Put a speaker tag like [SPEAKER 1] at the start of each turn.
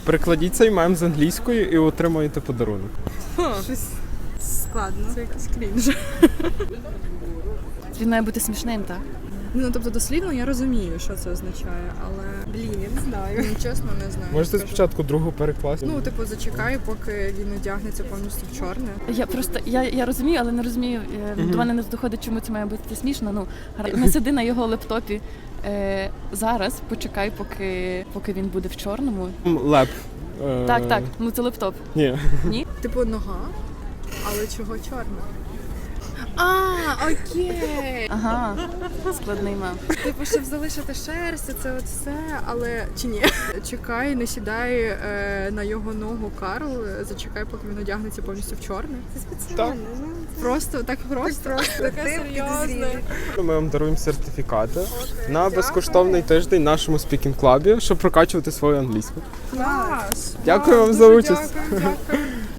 [SPEAKER 1] Перекладіть цей мем з англійської і отримаєте подарунок.
[SPEAKER 2] Щось складно. Це якийсь крінж.
[SPEAKER 3] Він має бути смішним, так?
[SPEAKER 2] Ну, тобто, дослівно я розумію, що це означає, але... Блін, я не знаю. Чесно, не знаю.
[SPEAKER 1] Можете
[SPEAKER 2] скажу.
[SPEAKER 1] спочатку другу перекласти?
[SPEAKER 2] Ну, типу, зачекаю, поки він одягнеться повністю в чорне.
[SPEAKER 3] Я просто я розумію, але не розумію. До мене не доходить, чому це має бути смішно. Ну, не сиди на його лептопі зараз, почекай, поки він буде в чорному.
[SPEAKER 1] Леп.
[SPEAKER 3] Так, ну це лептоп.
[SPEAKER 1] Ні.
[SPEAKER 3] Ні?
[SPEAKER 2] Типу, нога, але чого чорна? Окей.
[SPEAKER 3] Ага, складний мем.
[SPEAKER 2] Типу, щоб залишити шерсть, це от все, але чи ні? Чекай, не сідай на його ногу, Карл, зачекай, поки він одягнеться повністю в чорне.
[SPEAKER 4] Це спеціально.
[SPEAKER 2] Просто, так просто? Таке серйозне.
[SPEAKER 1] Ми вам даруємо сертифікати на безкоштовний тиждень в нашому спікінг-клабі, щоб прокачувати свою англійську.
[SPEAKER 2] Клас!
[SPEAKER 1] Дякую вам
[SPEAKER 2] Дуже
[SPEAKER 1] за участь.
[SPEAKER 2] Дякую.